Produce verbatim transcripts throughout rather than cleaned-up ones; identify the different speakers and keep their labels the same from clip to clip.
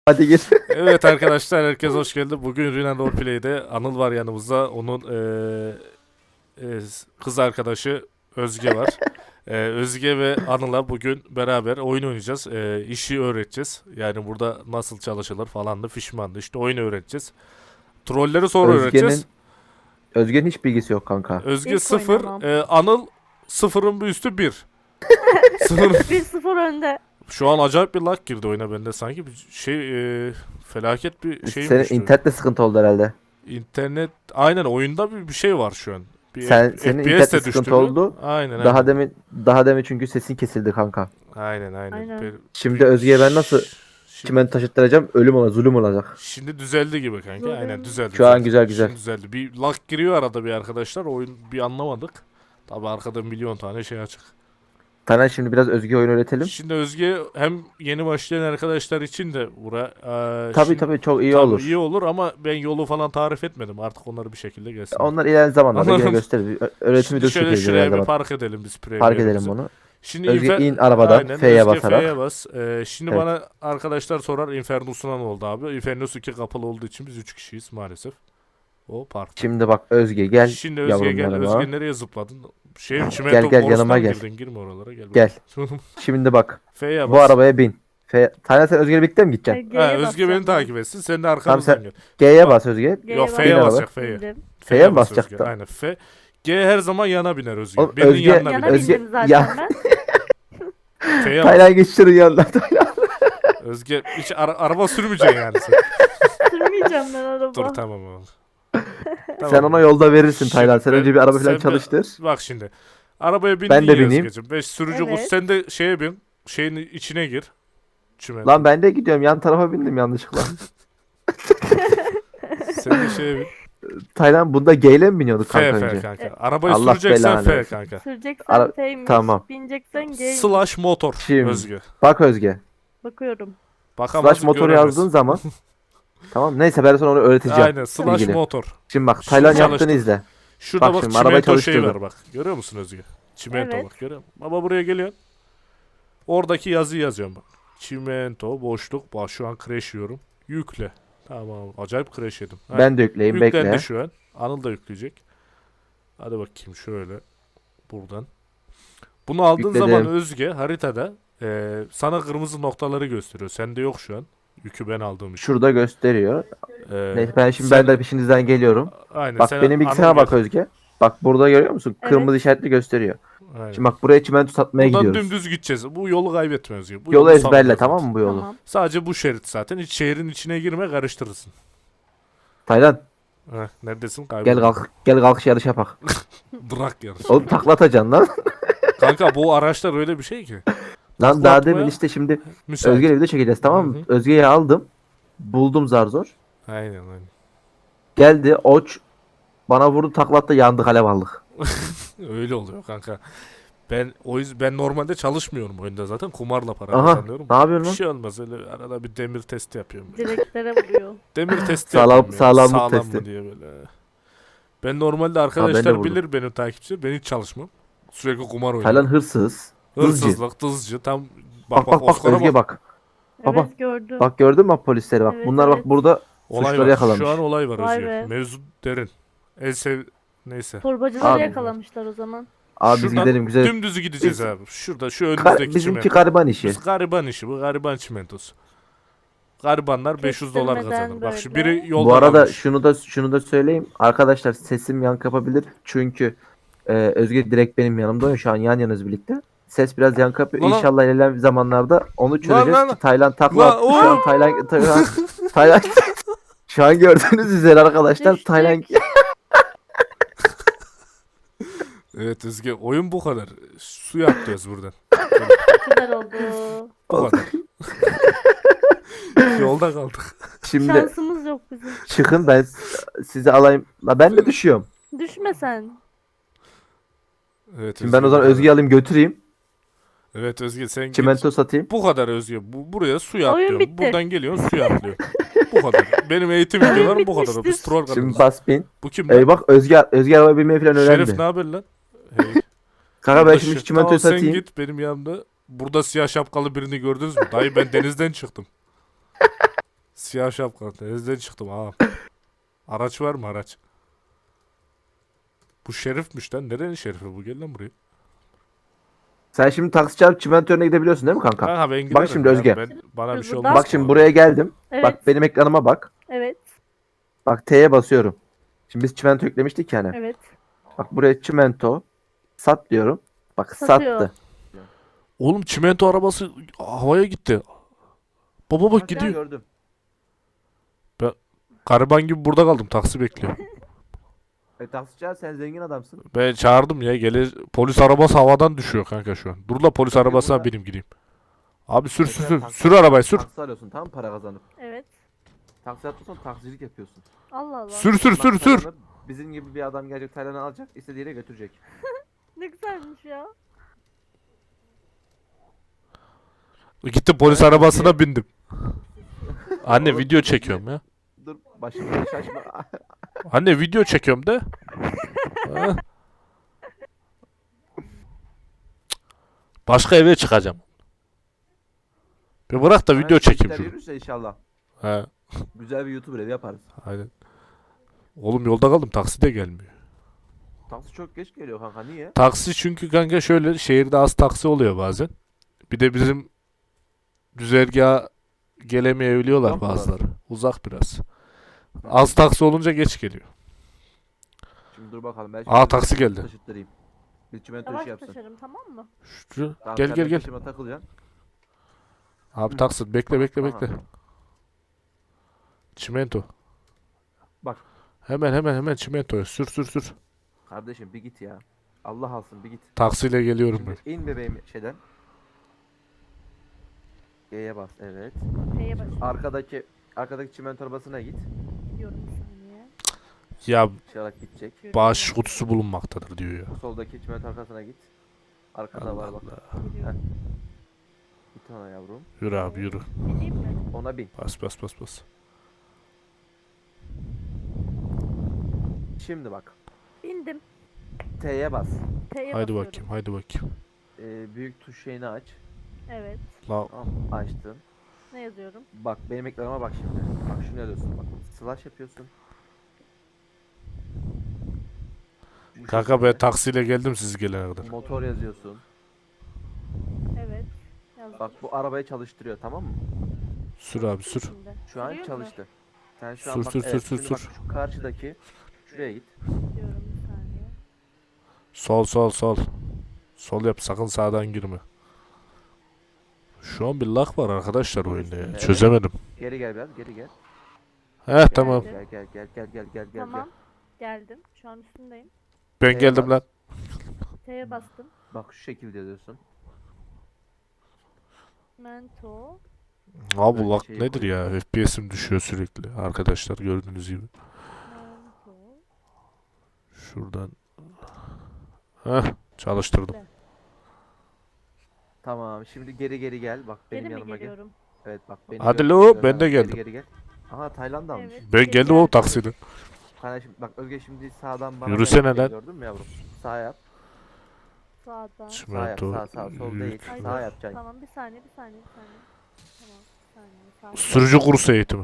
Speaker 1: Hadi git.
Speaker 2: Evet arkadaşlar, herkes hoş geldi. Bugün Rina Roleplay'de Anıl var yanımızda. Onun eee, eee, kız arkadaşı Özge var. Eee, Özge ve Anıl'a bugün beraber oyun oynayacağız. Eee, işi öğreteceğiz. Yani burada nasıl çalışılır falan da fişmandı. İşte oyun öğreteceğiz. Trolleri sonra
Speaker 1: Özge'nin
Speaker 2: öğreteceğiz.
Speaker 1: Özge'nin hiç bilgisi yok kanka.
Speaker 2: Özge
Speaker 3: Hiç
Speaker 2: sıfır,
Speaker 3: oynamam.
Speaker 2: eee, Anıl sıfırın bir üstü bir. Sıfır.
Speaker 3: bir sıfır önde.
Speaker 2: Şu an acayip bir lag girdi oyuna bende sanki. Bir şey eee, felaket bir şeyim
Speaker 1: Senin
Speaker 2: düştü.
Speaker 1: internette sıkıntı oldu herhalde.
Speaker 2: İnternet aynen oyunda bir, bir şey var şu an. Bir
Speaker 1: Sen
Speaker 2: F-
Speaker 1: senin
Speaker 2: F P S
Speaker 1: internette
Speaker 2: de
Speaker 1: sıkıntı
Speaker 2: düştü.
Speaker 1: oldu.
Speaker 2: Aynen aynen.
Speaker 1: Daha demin daha demin çünkü sesin kesildi kanka.
Speaker 2: Aynen aynen.
Speaker 3: Aynen.
Speaker 2: Bir-
Speaker 1: Şimdi
Speaker 2: bir-
Speaker 1: Özge'ye ben nasıl
Speaker 2: Şimdi,
Speaker 1: çimen taşıttıracağım? Ölüm olacak, zulüm olacak.
Speaker 2: şimdi düzeldi gibi kanka.
Speaker 3: Zulüm.
Speaker 2: Aynen düzeldi.
Speaker 1: Şu an
Speaker 2: düzeldi.
Speaker 1: güzel, güzel.
Speaker 2: Şimdi düzeldi. Bir lag giriyor arada bir arkadaşlar. Oyun bir anlamadık. Tabi arkada milyon tane şey açık.
Speaker 1: Taner şimdi biraz Özge oyun öğretelim.
Speaker 2: Şimdi Özge hem yeni başlayan arkadaşlar için de bura eee,
Speaker 1: Tabii
Speaker 2: şimdi-
Speaker 1: tabii çok iyi
Speaker 2: tabii
Speaker 1: olur.
Speaker 2: iyi olur ama ben yolu falan tarif etmedim. Artık onları bir şekilde gelsin.
Speaker 1: Onlar ilerleyen zamanlarda yine
Speaker 2: Anladım.
Speaker 1: gösteririz. Ö- Öğretim
Speaker 2: Şimdi
Speaker 1: videosu
Speaker 2: şöyle
Speaker 1: çekeriz
Speaker 2: şuraya
Speaker 1: ileride
Speaker 2: bir
Speaker 1: bak.
Speaker 2: park edelim biz
Speaker 1: Fark edelim
Speaker 2: premierimizi.
Speaker 1: bunu.
Speaker 2: Şimdi
Speaker 1: Özge
Speaker 2: infer-
Speaker 1: in arabadan
Speaker 2: Aynen,
Speaker 1: F'ye
Speaker 2: Özge
Speaker 1: basarak.
Speaker 2: F'ye bas. Ee, şimdi
Speaker 1: Evet.
Speaker 2: bana arkadaşlar sorar Infernus'una ne oldu abi? Infernus iki kapalı olduğu için biz üç kişiyiz maalesef. O park.
Speaker 1: Şimdi bak Özge gel
Speaker 2: Şimdi Özge
Speaker 1: yavrum
Speaker 2: gel.
Speaker 1: yanıma.
Speaker 2: Özge nereye zıpladın? Şey çimento
Speaker 1: gel,
Speaker 2: borusundan
Speaker 1: yanıma gel.
Speaker 2: girdin. Girme oralara gel.
Speaker 1: Gel.
Speaker 2: bakalım.
Speaker 1: Şimdi bak
Speaker 2: F'ye bas.
Speaker 1: bu arabaya bin. F Taner sen Özge'yle birlikte mi gideceksin?
Speaker 3: G'ye
Speaker 2: Ha, Özge
Speaker 3: basacağım
Speaker 2: beni
Speaker 3: ben.
Speaker 2: takip etsin. Sen de arkamızdan
Speaker 1: sen-
Speaker 2: gel.
Speaker 1: G'ye bas Özge.
Speaker 3: G'ye
Speaker 2: Yok
Speaker 3: bas-
Speaker 2: F'ye
Speaker 1: Bin
Speaker 2: basacak F'ye.
Speaker 3: Bindim.
Speaker 1: F'ye mi
Speaker 2: bas
Speaker 1: basacak
Speaker 2: Özge.
Speaker 1: da?
Speaker 2: Aynen F. G her zaman yana biner Özge.
Speaker 1: Oğlum,
Speaker 2: Benim
Speaker 1: Özge-
Speaker 2: yanına
Speaker 3: Yana
Speaker 2: biner.
Speaker 1: Özge-
Speaker 3: bindim zaten
Speaker 1: ya-
Speaker 3: ben.
Speaker 2: F'ye bas.
Speaker 1: Taylan geçiştirin yanına.
Speaker 2: Özge hiç ara- araba sürmeyeceksin yani sen.
Speaker 3: Sürmeyeceğim ben araba.
Speaker 2: Dur tamam oğlum.
Speaker 1: Sen ona yolda verirsin
Speaker 2: Şimdi
Speaker 1: Taylan. Sen
Speaker 2: ben-
Speaker 1: önce bir araba
Speaker 2: sen
Speaker 1: falan
Speaker 2: bir-
Speaker 1: çalıştır.
Speaker 2: Bak şimdi. Arabaya bindin
Speaker 1: Ben de
Speaker 2: ya
Speaker 1: bineyim.
Speaker 2: Özgeciğim. Beş sürücü
Speaker 3: Evet.
Speaker 2: kuz. Sen de şeye bin. Şeyin içine gir. Çimen.
Speaker 1: Lan ben de gidiyorum. Yan tarafa bindim yanlışlıkla.
Speaker 2: Sen de şeye bin.
Speaker 1: Taylan bunda G ile mi biniyorduk
Speaker 2: F
Speaker 1: kanka
Speaker 2: F
Speaker 1: önce?
Speaker 2: kanka.
Speaker 3: E,
Speaker 2: Arabayı
Speaker 1: Allah
Speaker 2: süreceksen
Speaker 1: belanı
Speaker 2: F
Speaker 1: versin.
Speaker 2: kanka.
Speaker 3: Süreceksen
Speaker 1: Ara-
Speaker 3: F'ymiş.
Speaker 1: tamam.
Speaker 3: Bineceksen G'ymiş.
Speaker 2: Slash motor
Speaker 1: Şimdi.
Speaker 2: Özgü.
Speaker 1: Bak Özge.
Speaker 3: Bakıyorum.
Speaker 2: Bakamaz
Speaker 1: Slash motor
Speaker 2: göremez.
Speaker 1: yazdığın zaman. Tamam neyse ben sana onu öğreteceğim.
Speaker 2: Aynen slash
Speaker 1: bilgili.
Speaker 2: motor.
Speaker 1: Şimdi bak
Speaker 2: Şimdi
Speaker 1: Taylan
Speaker 2: çalıştır.
Speaker 1: yaptığını izle.
Speaker 2: Şurada
Speaker 1: Bak
Speaker 2: bak,
Speaker 1: şimdi arabayı
Speaker 2: çimento şeyi var
Speaker 1: çalıştırdım.
Speaker 2: bak. Görüyor musun Özgü? Çimento
Speaker 3: Evet.
Speaker 2: bak görüyor musun? Baba buraya geliyorsun. Oradaki yazıyı yazıyorum bak. Çimento boşluk. Bak şu an crash yiyorum. Yükle. Tamam acayip crash yedim. Ha,
Speaker 1: Ben de yükleyeyim
Speaker 2: Yüklendi
Speaker 1: bekle.
Speaker 2: şu an. Anıl da yükleyecek. Hadi bakayım şöyle. Buradan. Bunu aldığın
Speaker 1: Yükledim.
Speaker 2: zaman Özge haritada e, sana kırmızı noktaları gösteriyor. Sende yok şu an. Yükü ben aldığım için.
Speaker 1: Şurada gösteriyor.
Speaker 2: E,
Speaker 1: Neyse ben şimdi
Speaker 2: sen-
Speaker 1: ben de peşinizden geliyorum.
Speaker 2: Aynen,
Speaker 1: Bak
Speaker 2: sen
Speaker 1: benim bilgisayara
Speaker 2: Anıl
Speaker 1: bak
Speaker 2: gel.
Speaker 1: Özge. Bak burada görüyor musun?
Speaker 3: Evet.
Speaker 1: Kırmızı işaretli gösteriyor.
Speaker 2: Aynen.
Speaker 1: Şimdi bak buraya çimento satmaya
Speaker 2: Buradan
Speaker 1: gidiyoruz.
Speaker 2: dümdüz gideceğiz. Bu yolu kaybetme Özge. Bu
Speaker 1: Yolu
Speaker 2: yolu
Speaker 1: ezberle
Speaker 2: sağlam
Speaker 1: tamam
Speaker 2: zaten.
Speaker 1: mı bu yolu?
Speaker 3: Tamam.
Speaker 2: Sadece bu şerit zaten. Hiç şehrin içine girme karıştırırsın.
Speaker 1: Taylan
Speaker 2: Heh, neredesin? Kayboldun.
Speaker 1: gel kalk gel kalkış yarış yapak.
Speaker 2: Bırak yarış.
Speaker 1: Oğlum taklatacaksın lan.
Speaker 2: Kanka bu araçlar öyle bir şey ki.
Speaker 1: Lan
Speaker 2: Takla
Speaker 1: daha
Speaker 2: atmaya
Speaker 1: demin işte şimdi
Speaker 2: Müsait.
Speaker 1: Özge'yle video çekeceğiz tamam mı?
Speaker 2: Hı hı.
Speaker 1: Özge'yi aldım. Buldum zar zor.
Speaker 2: Aynen aynen.
Speaker 1: Geldi oç bana vurdu taklatta yandık alev aldık.
Speaker 2: Öyle oluyor kanka. Ben o yüzden ben normalde çalışmıyorum oyunda zaten. Kumarla para
Speaker 1: Aha
Speaker 2: kazanıyorum.
Speaker 1: ne yapıyorsun
Speaker 2: Bir
Speaker 1: lan?
Speaker 2: şey olmaz öyle arada bir demir testi yapıyorum. böyle.
Speaker 3: Direklere vuruyor.
Speaker 2: Demir testi
Speaker 1: Sağlam-
Speaker 2: yapıyorum ya.
Speaker 1: sağlamlık
Speaker 2: Sağlam
Speaker 1: testi.
Speaker 2: mı diye böyle. Ben normalde
Speaker 1: ben de
Speaker 2: arkadaşlar
Speaker 1: vurdum.
Speaker 2: bilir benim takipçi. Ben hiç çalışmam. Sürekli kumar oynuyorum.
Speaker 1: Taylan hırsız. Hızcı.
Speaker 2: Hırsızlık, tızcı tam
Speaker 1: Bak bak bak
Speaker 2: Oscar'a
Speaker 1: Özge bak. Baba,
Speaker 3: Evet gördüm.
Speaker 1: Bak gördün mü bak polisleri bak.
Speaker 3: Evet,
Speaker 1: Bunlar bak
Speaker 3: evet.
Speaker 1: burada
Speaker 2: Olay
Speaker 1: suçları
Speaker 2: var.
Speaker 1: yakalamış.
Speaker 2: Şu an olay var
Speaker 3: Vay
Speaker 2: Özgür.
Speaker 3: be.
Speaker 2: Mevzu derin. En sev... Neyse.
Speaker 3: Torbacıları
Speaker 1: Abi.
Speaker 3: yakalamışlar o zaman.
Speaker 1: Abi biz
Speaker 2: Şuradan
Speaker 1: gidelim güzel.
Speaker 2: Dümdüzü gideceğiz
Speaker 1: Biz-
Speaker 2: abi. Şurada şu
Speaker 1: Ka-
Speaker 2: önümüzdeki
Speaker 1: bizimki
Speaker 2: çimento.
Speaker 1: gariban işi.
Speaker 2: Biz gariban işi. Bu gariban çimentosu. Garibanlar beş yüz dolar
Speaker 3: Kestirmeden
Speaker 2: kazanır. Bak şu
Speaker 3: böyle.
Speaker 2: biri yolda
Speaker 1: Bu arada
Speaker 2: kalmış.
Speaker 1: şunu da şunu da söyleyeyim. Arkadaşlar sesim yankı yapabilir. Çünkü e, Özge direkt benim yanımda oynuyor. Şu an yan yanız birlikte. Ses biraz yankı yapıyor.
Speaker 2: Lan lan.
Speaker 1: İnşallah ilerleyen zamanlarda onu çözeceğiz
Speaker 2: lan lan.
Speaker 1: ki Tayland takla
Speaker 2: Lan,
Speaker 1: attı. Şu an
Speaker 2: oy.
Speaker 1: Tayland Tayland Tayland şu an gördüğünüz üzere arkadaşlar
Speaker 3: Düştük.
Speaker 1: Tayland
Speaker 2: Evet Özge oyun bu kadar. Su atlıyoruz buradan.
Speaker 3: Güzel oldu.
Speaker 2: Bu kadar. Yolda kaldık.
Speaker 1: şimdi
Speaker 3: Şansımız yok bizim.
Speaker 1: çıkın ben s- sizi alayım. La ben de düşüyorum.
Speaker 3: Düşme sen.
Speaker 2: Evet,
Speaker 1: Şimdi ben
Speaker 2: Özge,
Speaker 1: o zaman
Speaker 2: bu kadar.
Speaker 1: Özge'yi alayım götüreyim.
Speaker 2: Evet Özge sen git.
Speaker 1: Çimento satayım.
Speaker 2: Bu kadar Özge. Bu, buraya suya
Speaker 3: Oyun
Speaker 2: atlıyorum.
Speaker 3: bitti.
Speaker 2: Buradan geliyorsun suya atlıyorsun. Bu kadar. Benim eğitim videolarım bu kadar. Biz
Speaker 3: bitmiştir.
Speaker 2: troll
Speaker 1: Şimdi
Speaker 2: kadınız.
Speaker 1: bas bin.
Speaker 2: Bu kim lan?
Speaker 1: Ey bak Özge Özge araba binmeyi falan öğrendi.
Speaker 2: Şerif ne haber lan? Hey.
Speaker 1: Kanka ben
Speaker 2: Burada
Speaker 1: şimdi
Speaker 2: şu-
Speaker 1: şu çimentoyu
Speaker 2: Tamam, sen
Speaker 1: satayım.
Speaker 2: git benim yanımda. Burada siyah şapkalı birini gördünüz mü? Dayı ben denizden çıktım. Siyah şapka. Denizden çıktım ağam. Araç var mı araç? Bu şerifmiş lan. Nerenin şerifi bu? Gel lan buraya.
Speaker 1: Sen şimdi taksi çarpıp çimento önüne gidebiliyorsun değil mi kanka?
Speaker 2: Kanka ben giderim
Speaker 1: Bak şimdi
Speaker 2: ya.
Speaker 1: Özge.
Speaker 2: Ben, bana bir şey
Speaker 3: Buradan-
Speaker 2: olmaz.
Speaker 1: Bak şimdi buraya geldim.
Speaker 3: Evet.
Speaker 1: Bak benim ekranıma bak.
Speaker 3: Evet.
Speaker 1: Bak T'ye basıyorum. Şimdi biz çimento yüklemiştik yani.
Speaker 3: Evet.
Speaker 1: Bak buraya çimento sat diyorum. Bak
Speaker 3: Satıyor.
Speaker 1: sattı.
Speaker 2: Oğlum çimento arabası havaya gitti. Baba bak gidiyor.
Speaker 1: Gördüm.
Speaker 2: Gariban gibi burada kaldım. Taksi bekliyor.
Speaker 1: E, taksici sen zengin adamsın.
Speaker 2: Ben çağırdım ya. Gelir polis arabası havadan düşüyor kanka şu an. Dur la polis
Speaker 1: Tabii
Speaker 2: arabasına
Speaker 1: burada-
Speaker 2: bineyim gideyim. Abi sür sür
Speaker 1: Mesela
Speaker 2: sür.
Speaker 1: taksi-
Speaker 2: Sür arabayı sür.
Speaker 1: Taksi alıyorsun tamam mı? Para kazanıp.
Speaker 3: Evet.
Speaker 1: Taksi yapıyorsan taksicilik yapıyorsun.
Speaker 3: Allah Allah.
Speaker 2: Sür sür sür
Speaker 1: Bak,
Speaker 2: sür.
Speaker 1: Taylan'ı Bizim gibi bir adam gelecek Taylan'ı alacak istediği yere götürecek.
Speaker 3: Ne güzelmiş ya.
Speaker 2: Gittim polis
Speaker 1: Evet,
Speaker 2: arabasına bindim. Anne
Speaker 1: Oğlum,
Speaker 2: video çekiyorum ya.
Speaker 1: Dur başımı şaşma.
Speaker 2: Anne video çekiyorum de. Ha. Başka eve çıkacağım. Bir bırak da video çekeyim şunu.
Speaker 1: Yürürse inşallah.
Speaker 2: He,
Speaker 1: Güzel bir YouTuber evi yaparız.
Speaker 2: aynen. Oğlum yolda kaldım taksi de gelmiyor.
Speaker 1: Taksi çok geç geliyor kanka niye?
Speaker 2: Taksi çünkü kanka şöyle şehirde az taksi oluyor bazen. Bir de bizim güzergaha gelemeyebiliyorlar
Speaker 1: Uzak mı
Speaker 2: bazıları. Uzak biraz. Az taksi olunca geç geliyor.
Speaker 1: Şimdi dur bakalım. Ben
Speaker 2: Aa,
Speaker 1: şimdi
Speaker 2: taksi geldi.
Speaker 1: Taşıttırayım. Bir çimento
Speaker 3: Yavaş
Speaker 1: işi yapsın.
Speaker 3: taşırım tamam mı?
Speaker 2: Şu,
Speaker 1: Tamam,
Speaker 2: gel
Speaker 1: sen
Speaker 2: gel
Speaker 1: de
Speaker 2: gel.
Speaker 1: taşıma takılacaksın.
Speaker 2: Abi taksi bekle bekle
Speaker 1: Aha.
Speaker 2: bekle. Çimento.
Speaker 1: Bak.
Speaker 2: Hemen hemen hemen çimentoya sür sür sür.
Speaker 1: Kardeşim bir git ya. Allah alsın bir git.
Speaker 2: Taksiyle geliyorum ben.
Speaker 1: Şimdi in bebeğim şeyden. G'ye bas evet.
Speaker 3: T'ye basıyorum.
Speaker 1: Arkadaki arkadaki çimento arabasına git.
Speaker 3: Diyorum bir saniye.
Speaker 2: Ya
Speaker 1: Çalarak gidecek.
Speaker 3: Görüyorum.
Speaker 2: bağış kutusu bulunmaktadır diyor ya.
Speaker 1: Soldaki çimento arkasına git. Arkada
Speaker 2: Allah
Speaker 1: var bak.
Speaker 2: Allah.
Speaker 3: Geliyorum.
Speaker 1: Bir tane yavrum.
Speaker 2: Yürü abi yürü.
Speaker 3: Bineyim mi?
Speaker 1: Ona bin.
Speaker 2: Bas bas bas bas.
Speaker 1: Şimdi bak.
Speaker 3: Bindim.
Speaker 1: T'ye bas.
Speaker 3: T'ye
Speaker 2: Haydi
Speaker 3: basıyorum.
Speaker 2: bakayım haydi bakayım.
Speaker 1: Ee, büyük tuş şeyini aç.
Speaker 3: Evet.
Speaker 2: La
Speaker 1: Tamam mı? Açtın.
Speaker 3: Ne yazıyorum?
Speaker 1: Bak benim ekranıma bak şimdi. Bak şunu yazıyorsun bak. Slash yapıyorsun. Bu
Speaker 2: kanka ben
Speaker 1: şekilde.
Speaker 2: taksiyle geldim siz gelene kadar.
Speaker 1: Motor yazıyorsun.
Speaker 3: Evet. Yazdım.
Speaker 1: Bak bu arabayı çalıştırıyor tamam mı?
Speaker 2: Sür abi sür.
Speaker 1: Şu
Speaker 3: Şimdi. Sürüyor
Speaker 1: an
Speaker 3: mu?
Speaker 1: çalıştı. Sen şu an
Speaker 2: Sür,
Speaker 1: bak,
Speaker 2: sür, sür,
Speaker 1: evet,
Speaker 2: sür,
Speaker 1: şimdi bak
Speaker 2: sür.
Speaker 1: şu karşıdaki şuraya git.
Speaker 3: Diyorum bir saniye.
Speaker 2: Sol sol sol. Sol yap sakın sağdan girme. Şu an bir lag var arkadaşlar oyunda ya.
Speaker 1: Evet.
Speaker 2: Çözemedim.
Speaker 1: Geri gel biraz geri gel.
Speaker 2: Heh tamam.
Speaker 1: Gel gel gel gel gel gel gel.
Speaker 3: Tamam. Geldim. Şu an üstündeyim.
Speaker 2: Ben
Speaker 1: T'ye
Speaker 2: geldim
Speaker 1: bas.
Speaker 2: lan.
Speaker 3: T'ye bastım.
Speaker 1: Bak şu şekilde yazıyorsun.
Speaker 3: Mento.
Speaker 2: Abi
Speaker 1: Böyle
Speaker 2: lag
Speaker 1: şey
Speaker 2: nedir ya? F P S'im düşüyor sürekli. Arkadaşlar gördüğünüz gibi.
Speaker 3: Mento.
Speaker 2: Şuradan. Heh çalıştırdım.
Speaker 1: Tamam şimdi geri geri gel. Bak benim
Speaker 3: Geri mi
Speaker 1: yanıma gel.
Speaker 3: geliyorum?
Speaker 1: Evet bak beni
Speaker 2: Hadi
Speaker 1: gör-
Speaker 2: lo,
Speaker 1: gör-
Speaker 2: ben de
Speaker 1: geri
Speaker 2: geldim.
Speaker 1: Geri gel. Aha Tayland almış.
Speaker 3: Evet.
Speaker 2: Ben
Speaker 3: Geri
Speaker 2: geldim o
Speaker 3: geldim.
Speaker 2: taksiyle.
Speaker 1: Kardeşim bak Özge şimdi sağdan bana
Speaker 2: Yürüsene
Speaker 1: gel-
Speaker 2: lan.
Speaker 1: Gördün mü yavrum? Sağ yap.
Speaker 3: Sağdan.
Speaker 1: Sağ yap.
Speaker 2: Çimento.
Speaker 1: Sağ sağ sol değil.
Speaker 2: yük.
Speaker 3: Ay,
Speaker 1: Sağ yapacaksın.
Speaker 3: Tamam bir saniye bir saniye bir saniye. Tamam bir saniye. Sağ
Speaker 2: Sürücü kursu eğitimi.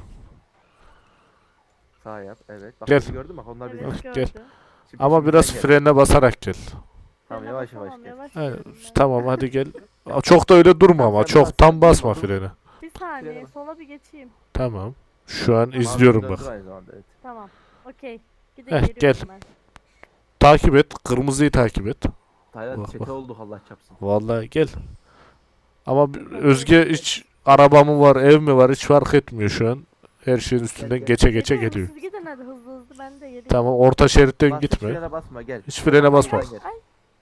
Speaker 1: Sağ yap. Evet. Bak
Speaker 2: Gel.
Speaker 1: bizi gördün mü? Bak onlar bizi.
Speaker 3: Evet
Speaker 2: Gel.
Speaker 3: gördüm.
Speaker 1: Şimdi-
Speaker 2: Ama
Speaker 1: şimdi
Speaker 2: biraz
Speaker 1: sen gel.
Speaker 2: frene basarak gel.
Speaker 1: Tamam
Speaker 3: Frene
Speaker 1: yavaş yavaş
Speaker 3: basamam,
Speaker 1: gel.
Speaker 3: yavaş
Speaker 2: He,
Speaker 3: gidiyorum ben.
Speaker 2: tamam hadi gel. Aa, Çok da öyle durma
Speaker 1: Tamam,
Speaker 2: ama.
Speaker 1: sen
Speaker 2: Çok
Speaker 1: bas,
Speaker 2: tam
Speaker 1: sen
Speaker 2: basma
Speaker 1: dur, dur.
Speaker 2: frene.
Speaker 3: Bir saniye
Speaker 1: Frene bas.
Speaker 3: sola bir geçeyim.
Speaker 2: Tamam. Şu an
Speaker 1: Tamam,
Speaker 2: izliyorum
Speaker 1: döndür
Speaker 2: bak.
Speaker 1: aynı zamanda, evet.
Speaker 3: Tamam. Okey. Bir de
Speaker 2: Heh,
Speaker 3: geliyorum
Speaker 2: gel.
Speaker 3: ben.
Speaker 2: Takip et. Kırmızıyı takip et.
Speaker 1: Tayland
Speaker 2: Bak,
Speaker 1: çete
Speaker 2: bak.
Speaker 1: olduk Allah çapsın.
Speaker 2: Vallahi gel. Ama bir- Özge hiç araba mı var, ev mi var hiç fark etmiyor şu an. Her şeyin üstünden
Speaker 1: gel.
Speaker 2: geçe geçe
Speaker 3: Geliyorum,
Speaker 2: geliyor.
Speaker 3: Siz gidin hadi hızlı hızlı ben de geleyim.
Speaker 2: Tamam orta şeritten
Speaker 1: Bas, hiç
Speaker 2: gitme.
Speaker 1: frene basma gel.
Speaker 2: Hiç frene basma.
Speaker 1: Gel.
Speaker 3: Ay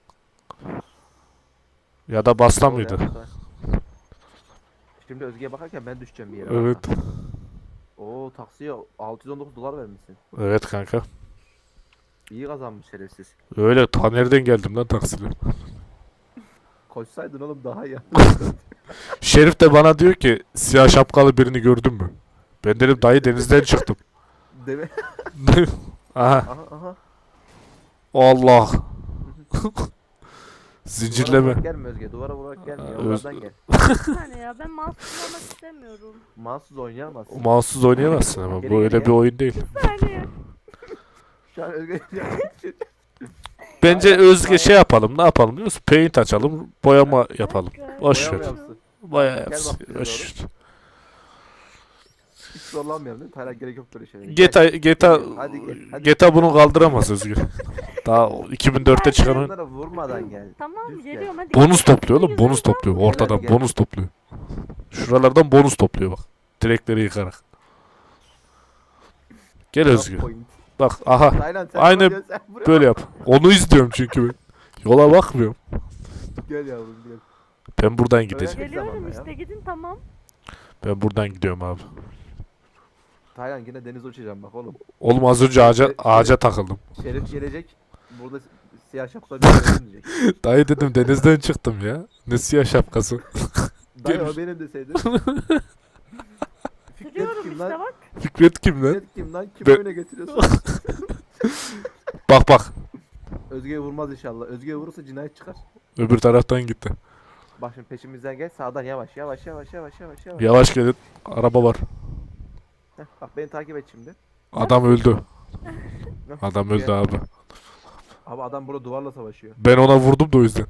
Speaker 2: Ya da basla
Speaker 1: Sol
Speaker 2: mıydı?
Speaker 1: yap, sol. Şimdi Özge'ye bakarken ben düşeceğim bir yere.
Speaker 2: Evet.
Speaker 1: kanka. Oo taksiye altı yüz on dokuz dolar vermişsin.
Speaker 2: Evet kanka.
Speaker 1: İyi kazanmış şerefsiz.
Speaker 2: Öyle ta nereden geldim lan taksiyle.
Speaker 1: Koşsaydın oğlum daha iyi.
Speaker 2: Şerif de bana diyor ki siyah şapkalı birini gördün mü? Ben dedim dayı denizden çıktım.
Speaker 1: Değil mi?
Speaker 2: Aha.
Speaker 1: Aha aha.
Speaker 2: Allah. Zincirleme.
Speaker 1: vurarak gelme Özge. Duvara vurarak gelme.
Speaker 2: Aa,
Speaker 1: Yollardan gel.
Speaker 3: Bir saniye ya ben mahsus olmak istemiyorum.
Speaker 1: Mahsus oynayamazsın.
Speaker 2: Mouse'suz oynayamazsın ama
Speaker 1: Geri
Speaker 2: bu öyle
Speaker 1: geriye.
Speaker 2: bir oyun değil.
Speaker 3: Bir saniye.
Speaker 1: Şu an Özge
Speaker 2: Bence
Speaker 1: Aynen,
Speaker 2: Özge
Speaker 1: aynen.
Speaker 2: şey yapalım. Ne yapalım biliyor musun? Paint açalım. Boyama yapalım.
Speaker 3: Dakika.
Speaker 2: Boş
Speaker 1: Boyama
Speaker 2: ver.
Speaker 1: yapsın.
Speaker 2: Boya
Speaker 1: Gel
Speaker 2: yapsın.
Speaker 1: bak bize
Speaker 2: Boş ver.
Speaker 1: hiç zorlanmayalım değil mi? Hala gerek yok böyle şeylere.
Speaker 2: G T A, G T A,
Speaker 1: Hadi gel, hadi.
Speaker 2: G T A bunu kaldıramaz Özgür. Daha iki bin dörtte çıkan oyun.
Speaker 1: Onlara vurmadan gel.
Speaker 3: Tamam
Speaker 1: Düz gel.
Speaker 3: geliyorum hadi.
Speaker 2: Bonus topluyor oğlum.
Speaker 3: Yüzünden
Speaker 2: Bonus topluyor.
Speaker 1: Gel,
Speaker 2: Ortadan
Speaker 1: hadi gel.
Speaker 2: bonus topluyor. Şuralardan bonus topluyor bak. Direkleri yıkarak. Gel Özgür.
Speaker 1: Point.
Speaker 2: Bak aha.
Speaker 1: Taylan sen
Speaker 2: Aynı
Speaker 1: buraya, sen buraya.
Speaker 2: Böyle yap. Onu izliyorum çünkü ben. Yola bakmıyorum.
Speaker 1: Gel yavrum gel.
Speaker 2: Ben buradan gideceğim.
Speaker 1: Öyle-
Speaker 3: Geliyorum
Speaker 1: Tamam ya.
Speaker 3: işte gidin tamam.
Speaker 2: Ben buradan gidiyorum abi.
Speaker 1: Taylan yine denize uçacağım bak oğlum.
Speaker 2: Oğlum az önce ağaca, ağaca takıldım.
Speaker 1: Şerif gelecek. Burada siyah şapkalı bir adam diyecek.
Speaker 2: Dayı dedim denizden çıktım ya. Ne siyah şapkası.
Speaker 1: Dayı
Speaker 2: Gel.
Speaker 1: o benim deseydin. Fikret
Speaker 3: Sürüyorum
Speaker 1: kim
Speaker 3: işte
Speaker 1: lan?
Speaker 3: bak.
Speaker 2: Fikret kim lan?
Speaker 1: Fikret kim lan? Kim
Speaker 2: Ben-
Speaker 1: oyuna getiriyorsun?
Speaker 2: Bak bak.
Speaker 1: Özge'ye vurmaz inşallah. Özge'ye vurursa cinayet çıkar.
Speaker 2: Öbür taraftan gitti.
Speaker 1: Bak şimdi peşimizden gel. Sağdan yavaş yavaş yavaş yavaş yavaş yavaş.
Speaker 2: Yavaş gelin. Araba var.
Speaker 1: Heh, bak beni takip et şimdi.
Speaker 2: Adam öldü.
Speaker 1: Heh,
Speaker 2: Adam
Speaker 1: gel.
Speaker 2: öldü abi.
Speaker 1: Abi adam burada duvarla savaşıyor.
Speaker 2: Ben ona vurdum da o yüzden.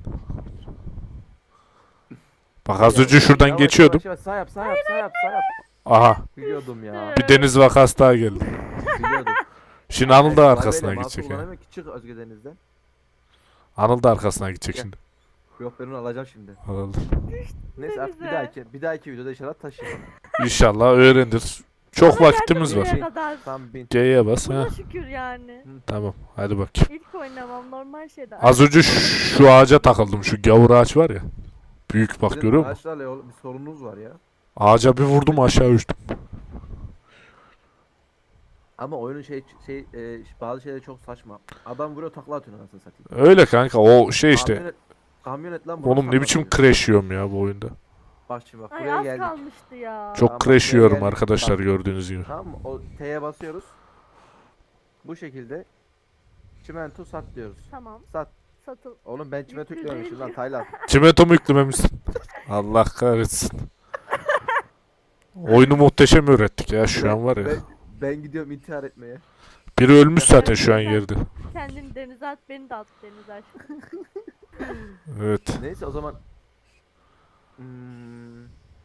Speaker 2: Bak az önce şuradan
Speaker 1: Yavaş,
Speaker 2: geçiyordum.
Speaker 1: Yavaş, yavaş. Sağ yap sağ yap sağ yap sağ yap.
Speaker 2: Aha.
Speaker 1: Biliyordum ya.
Speaker 2: Bir deniz vakası daha geldi.
Speaker 1: Biliyordum.
Speaker 2: Şimdi Anıl da
Speaker 1: Ay,
Speaker 2: arkasına
Speaker 1: Vay be,
Speaker 2: gidecek
Speaker 1: masum
Speaker 2: ya.
Speaker 1: kullanamıyor ki. Çık Özge denizden.
Speaker 2: Anıl da arkasına gidecek
Speaker 1: Gel.
Speaker 2: şimdi.
Speaker 1: Yok ben onu alacağım şimdi.
Speaker 2: Anıl.
Speaker 1: Neyse artık bir
Speaker 3: Denize.
Speaker 1: dahaki bir dahaki videoda inşallah taşıyalım.
Speaker 2: İnşallah öğrenir. Çok
Speaker 3: Ama
Speaker 2: vaktimiz
Speaker 3: geldim
Speaker 2: var.
Speaker 3: buraya kadar.
Speaker 1: Tam bin.
Speaker 2: G'ye bas. Ha.
Speaker 3: Buna şükür yani.
Speaker 2: Tamam. Hadi bak.
Speaker 3: İlk oynamam normal şeyde.
Speaker 2: Az önce şu, şu ağaca takıldım. Şu gavur ağaç var ya. Büyük bak
Speaker 1: Sizin
Speaker 2: görüyor musun?
Speaker 1: ağaçlarla yol- bir sorununuz var ya.
Speaker 2: Ağaca bir vurdum aşağı uçtum.
Speaker 1: Ama oyunun şey şey e, bazı şeyleri çok saçma. Adam vuruyor takla atıyor anasını satayım.
Speaker 2: Öyle kanka o şey işte.
Speaker 1: Kamyonet, kamyonet lan.
Speaker 2: Oğlum ne biçim crash yiyorum ya bu oyunda.
Speaker 1: Bak şimdi bak
Speaker 3: Ay
Speaker 1: buraya
Speaker 3: az
Speaker 1: geldik.
Speaker 3: kalmıştı ya.
Speaker 2: Çok
Speaker 1: Tamam,
Speaker 2: crash
Speaker 1: buraya
Speaker 2: yiyorum
Speaker 1: geldik.
Speaker 2: arkadaşlar
Speaker 1: Bak.
Speaker 2: gördüğünüz gibi.
Speaker 1: Tamam mı? O T'ye basıyoruz. Bu şekilde çimento sat diyoruz.
Speaker 3: Tamam.
Speaker 1: Sat.
Speaker 3: Satıl.
Speaker 1: Oğlum ben çimento
Speaker 3: Yüklü
Speaker 1: yüklememişim lan
Speaker 3: değil.
Speaker 1: Taylan.
Speaker 2: Çimento mu yüklememişsin? Allah kahretsin. Oyunu muhteşem öğrettik ya şu an var ya.
Speaker 1: Ben, ben gidiyorum intihar etmeye.
Speaker 2: Biri ölmüş zaten şu an yerde.
Speaker 3: Kendini denize at beni de at denize aşkım.
Speaker 2: Evet.
Speaker 1: Neyse o zaman hmm,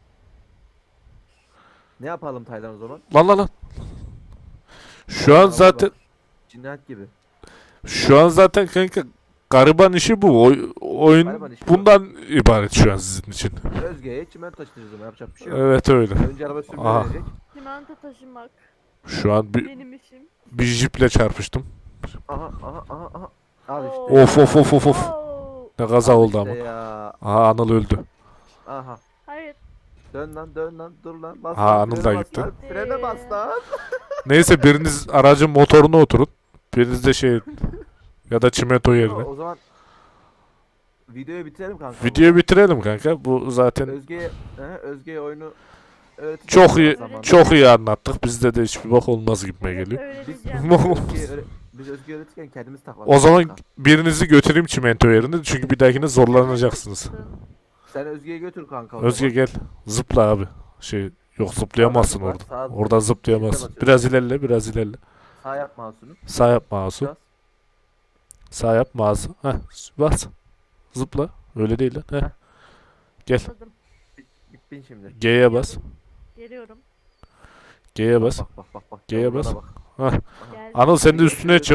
Speaker 1: ne yapalım Taylan o zaman?
Speaker 2: Lan lan lan. Şu an
Speaker 1: Vallahi
Speaker 2: zaten
Speaker 1: bak, cinayet gibi.
Speaker 2: şu an zaten kanka gariban işi bu. Oy- oyun
Speaker 1: Gariban işi bu.
Speaker 2: bundan ibaret şu an sizin için.
Speaker 1: Özge'ye çimento taşıyacağız ama yapacak bir şey yok.
Speaker 2: Evet öyle.
Speaker 1: Önce araba sürmeyi
Speaker 2: Aha.
Speaker 1: öğrenecek.
Speaker 3: Çimento taşımak
Speaker 2: Şu an bir,
Speaker 3: benim işim.
Speaker 2: bir jiple çarpıştım.
Speaker 1: Aha aha aha aha. Al işte.
Speaker 3: Oo.
Speaker 2: Of of of of of.
Speaker 3: Oo.
Speaker 2: Ne kaza
Speaker 1: Al
Speaker 2: oldu
Speaker 1: işte
Speaker 2: ama.
Speaker 1: Ya.
Speaker 2: Aha Anıl öldü.
Speaker 1: Aha.
Speaker 3: Hayır.
Speaker 1: Dön lan dön lan dur lan. Bas
Speaker 2: Aha,
Speaker 1: lan,
Speaker 2: Anıl
Speaker 1: frene
Speaker 2: da
Speaker 1: bas
Speaker 2: gitti.
Speaker 1: lan, Frene bas lan.
Speaker 2: Neyse biriniz aracın motoruna oturun. Biriniz de şey ya da çimento yerine.
Speaker 1: O zaman videoyu bitirelim kanka.
Speaker 2: Videoyu bitirelim kanka. Bu zaten
Speaker 1: Özge'ye he, Özge'ye oyunu öğreteceğiz
Speaker 2: çok iyi
Speaker 1: zamanla.
Speaker 2: çok iyi anlattık. Bizde de hiçbir bak olmaz gibime
Speaker 3: Evet,
Speaker 2: geliyor.
Speaker 3: öğreneceğim.
Speaker 1: Özge'ye öğre- biz Özge'ye öğretirken kendimiz takladık.
Speaker 2: O zaman
Speaker 1: kanka.
Speaker 2: birinizi götüreyim çimento yerine çünkü bir dahakine zorlanacaksınız.
Speaker 1: Sen Özge'yi götür kanka. o
Speaker 2: Özge
Speaker 1: zaman.
Speaker 2: gel. Zıpla abi. Şey yok zıplayamazsın
Speaker 1: Sağdan
Speaker 2: orada.
Speaker 1: zıpla, sağ-
Speaker 2: Oradan zıplayamazsın. Biraz ilerle, biraz ilerle.
Speaker 1: Sağ yap mouse'unu.
Speaker 2: Sağ yap mouse'u.
Speaker 1: Biraz.
Speaker 2: Sağ yap mouse'u. Heh, bas. Zıpla. Öyle değil lan. Heh.
Speaker 1: Heh.
Speaker 2: Gel.
Speaker 3: Atladım.
Speaker 1: Bin, bin şimdi.
Speaker 2: G'ye bas.
Speaker 3: Geliyorum.
Speaker 2: G'ye bas.
Speaker 1: Bak bak bak bak.
Speaker 2: G'ye
Speaker 1: Yavruna
Speaker 2: bas.
Speaker 1: bak.
Speaker 2: Heh.
Speaker 1: Aha.
Speaker 3: Geldim.
Speaker 2: Anıl sen de üstüne çık.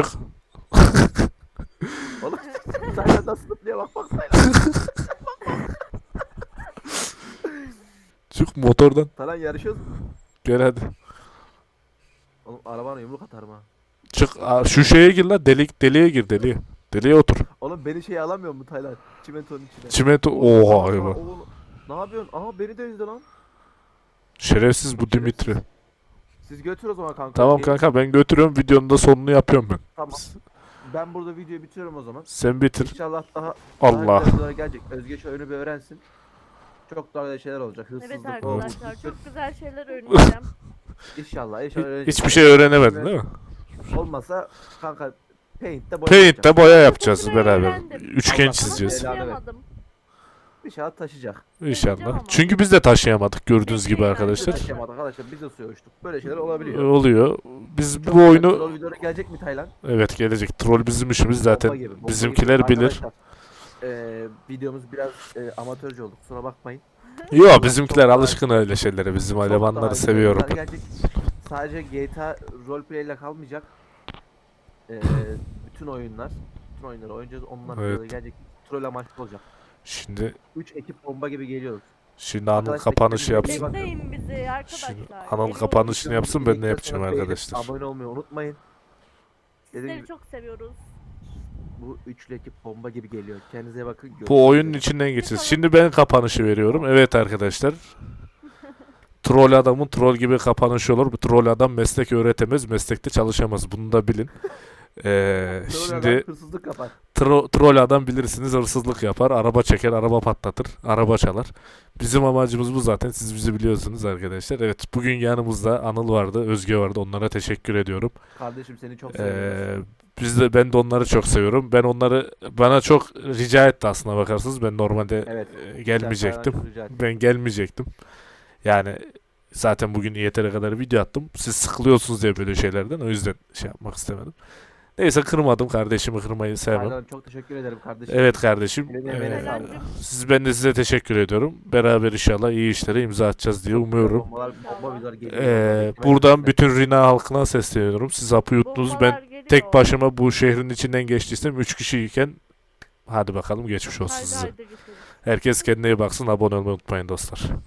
Speaker 1: Oğlum Taylan nasıl zıplıyor bak bak Taylan.
Speaker 2: Çık motordan.
Speaker 1: Taylan yarışıyoruz.
Speaker 2: Gel hadi.
Speaker 1: Oğlum arabana yumruk atarım ha.
Speaker 2: Çık. Aa, şu şeye gir lan. Delik, deliğe gir deliğe. Deliğe otur.
Speaker 1: Oğlum beni şey alamıyor mu Taylan? Çimentonun içine.
Speaker 2: Çimento.
Speaker 1: Oğlum,
Speaker 2: Oha
Speaker 1: sana-
Speaker 2: eyvah.
Speaker 1: oğlum, Ne yapıyorsun? Aha beni de izle lan.
Speaker 2: Şerefsiz bu Dimitri.
Speaker 1: Siz götür o zaman kanka.
Speaker 2: Tamam
Speaker 1: Şey-
Speaker 2: kanka ben götürüyorum. Videonun da sonunu yapıyorum ben.
Speaker 1: Tamam. Ben burada videoyu bitiriyorum o zaman.
Speaker 2: Sen bitir.
Speaker 1: İnşallah daha
Speaker 2: Allah.
Speaker 1: daha güzel videolar gelecek. Özge şu oyunu bir öğrensin. Çok daha güzel şeyler olacak.
Speaker 3: Evet
Speaker 1: Hırsızlık olur.
Speaker 3: arkadaşlar çok güzel şeyler öğreneceğim.
Speaker 1: İnşallah. inşallah öğrenecek.
Speaker 2: Hiçbir şey öğrenemedin değil mi?
Speaker 1: Olmasa kanka Paint'te boya
Speaker 2: Paint'te
Speaker 1: yapacak.
Speaker 2: boya yapacağız
Speaker 3: Çok güzel
Speaker 2: beraber.
Speaker 3: öğrendim.
Speaker 2: Üçgen
Speaker 1: Allah
Speaker 2: çizeceğiz.
Speaker 1: belanı
Speaker 3: Taşıyamadım.
Speaker 1: İnşallah taşıyacak.
Speaker 2: İnşallah. Çünkü biz de taşıyamadık gördüğünüz gibi
Speaker 3: Peki,
Speaker 2: arkadaşlar.
Speaker 1: Taşıyamadık arkadaşlar. Biz de suya uçtuk. Böyle şeyler olabiliyor.
Speaker 2: Oluyor. Biz
Speaker 1: Çok
Speaker 2: bu
Speaker 1: güzel
Speaker 2: oyunu
Speaker 1: troll videoları gelecek mi Taylan?
Speaker 2: evet gelecek. Troll bizim işimiz zaten.
Speaker 1: Bomba gibi, bomba
Speaker 2: Bizimkiler
Speaker 1: gibi.
Speaker 2: bilir.
Speaker 1: Arkadaşlar, eee, videomuz biraz eee, amatörce oldu. Kusura bakmayın.
Speaker 2: Yo bizimkiler
Speaker 1: Çok daha-
Speaker 2: alışkın öyle şeylere. Bizim
Speaker 1: Çok
Speaker 2: elemanları
Speaker 1: daha güzel
Speaker 2: seviyorum.
Speaker 1: videolar gelecek. Sadece G T A roleplay ile kalmayacak. Eee, bütün oyunlar, bütün oyunları oynayacağız. Onlar
Speaker 2: Evet.
Speaker 1: videoları gelecek. Troll amaçlı olacak.
Speaker 2: Şimdi
Speaker 1: üç ekip bomba gibi geliyoruz.
Speaker 2: şimdi Anıl
Speaker 1: Arkadaşlar,
Speaker 2: kapanışı
Speaker 1: kendinize iyi
Speaker 2: yapsın.
Speaker 1: bakın.
Speaker 3: Bekleyin bizi arkadaşlar.
Speaker 2: Şimdi Anıl
Speaker 3: Geliyoruz.
Speaker 2: kapanışını yapsın, ben de
Speaker 1: Videomuzu
Speaker 2: yapacağım
Speaker 1: beğenip
Speaker 2: arkadaşlar.
Speaker 1: Abone olmayı unutmayın. Dediğim
Speaker 3: Sizleri
Speaker 1: gibi
Speaker 3: çok seviyoruz.
Speaker 1: bu üçlü ekip bomba gibi geliyor. Kendinize iyi bakın. Görüşmek
Speaker 2: Bu oyunun
Speaker 1: üzere.
Speaker 2: içinden geçeceğiz. Şimdi ben kapanışı veriyorum. Evet arkadaşlar. Troll adamın troll gibi kapanışı olur. Bu troll adam meslek öğretemez, meslekte çalışamaz. Bunu da bilin. Ee,
Speaker 1: Troll adam
Speaker 2: şimdi
Speaker 1: hırsızlık yapar.
Speaker 2: tro- troll adam bilirsiniz, hırsızlık yapar, araba çeker, araba patlatır, araba çalar. Bizim amacımız bu zaten. Siz bizi biliyorsunuz arkadaşlar. Evet, bugün yanımızda Anıl vardı, Özge vardı. Onlara teşekkür ediyorum.
Speaker 1: Kardeşim seni çok seviyorum.
Speaker 2: Ee, biz de ben de onları çok seviyorum. Ben onları bana çok rica etti aslına bakarsınız. Ben normalde
Speaker 1: Evet.
Speaker 2: e, gelmeyecektim.
Speaker 1: Çok rica ederim.
Speaker 2: Ben gelmeyecektim. Yani zaten bugün yeteri kadar video attım. Siz sıkılıyorsunuz diye böyle şeylerden. O yüzden şey yapmak istemedim. Neyse kırmadım. Kardeşimi kırmayı sevmem.
Speaker 1: Taylan, çok teşekkür ederim kardeşim.
Speaker 2: Evet kardeşim.
Speaker 1: Eline emeğine
Speaker 2: Ee,
Speaker 1: sağlık.
Speaker 2: siz ben de size teşekkür ediyorum. Beraber inşallah iyi işlere imza atacağız diye umuyorum.
Speaker 1: Bombalar, bomba videolar geliyor.
Speaker 2: Ee,
Speaker 1: Beklemeyin.
Speaker 2: buradan bütün Rina halkına sesleniyorum. Siz hapı yuttunuz. Ben
Speaker 3: Bombalar geliyor.
Speaker 2: tek başıma bu şehrin içinden geçtiysem üç kişiyken hadi bakalım geçmiş olsun
Speaker 3: Haydi
Speaker 2: size.
Speaker 3: haydi getirin.
Speaker 2: Herkes kendine iyi baksın. Abone olmayı unutmayın dostlar.